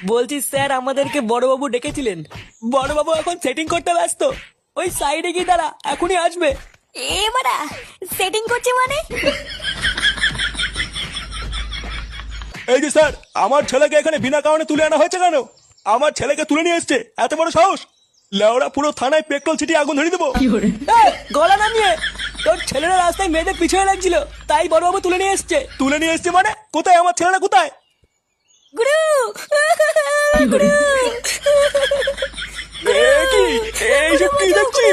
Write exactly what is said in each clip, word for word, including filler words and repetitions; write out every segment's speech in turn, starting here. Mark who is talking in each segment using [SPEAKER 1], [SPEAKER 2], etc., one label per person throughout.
[SPEAKER 1] বলছি স্যার আমাদেরকে বড়বাবু ডেকেছিলেন। বড়বাবু এখন সেটিং করতে ব্যস্ত, ওই সাইডে গিয়ে দাঁড়া, এখনই আসবে।
[SPEAKER 2] এ বাড়া, সেটিং করছে মানে?
[SPEAKER 3] এই যে স্যার, আমার ছেলেকে এখানে বিনা কারণে তুলে আনা হয়েছে কেন? আমার ছেলেকে তুলে নিয়ে এসছে, এত বড় সাহস! লেওড়া পুরো থানায় পেট্রোল ছিটিয়ে আগুন ধরিয়ে দেবো।
[SPEAKER 1] এই, গলা নামিয়ে। তোর ছেলেরা রাস্তায় মেয়েদের পিছনে লাগছিল, তাই বড়বাবু তুলে নিয়ে এসছে।
[SPEAKER 3] তুলে নিয়ে এসছে মানে? কোথায় আমার ছেলেরা, কোথায়?
[SPEAKER 2] গুরু গুরু
[SPEAKER 3] এ কি, এইসব কি দেখছি?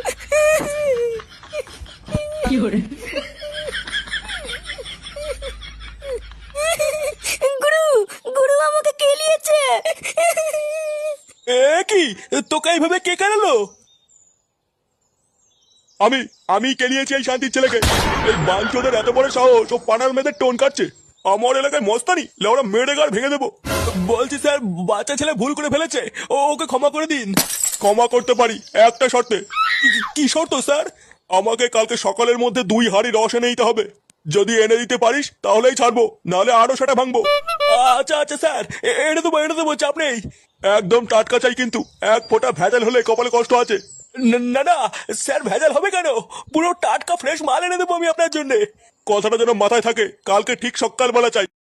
[SPEAKER 2] গুরু গুরু আমাকে কেলিয়েছে।
[SPEAKER 3] এ কি, তোকে এইভাবে কে কেনালো? আমি আমি কেনিয়েছি এই শান্তির ছেলেকে। এই বাঞ্চোদের এত বড় সাহস, ও পানার মেয়েদের টোন কাটছে। আমার এলাকায় মস্তানি, লেওড়া মেরে গাড় ভেঙে দেবো। বলছি স্যার, বাচ্চা ছেলে ভুল করে ফেলেছে, ও ওকে ক্ষমা করে দিন। ক্ষমা করতে পারি একটা শর্তে। কি- কি শর্ত স্যার? আমাকে কালকে সকালের মধ্যে দুই হাঁড়ি রস এনে দিতে হবে। যদি এনে দিতে পারিস তাহলেই ছাড়বো, নাহলে আরো সেটা ভাঙবো। আচ্ছা আচ্ছা স্যার, এ- এনে দেবো এনে দেবো, চাপ নেই। একদম টাটকা চাই কিন্তু, এক ফোঁটা ভেজাল হলে কপালে কষ্ট আছে। ন- না না স্যার, ভেজাল হবে কেন? পুরো টাটকা ফ্রেশ মাল এনে দেবো আমি আপনার জন্য। কথাটা যেন মাথায় থাকে, কালকে ঠিক সকালবেলা চাই।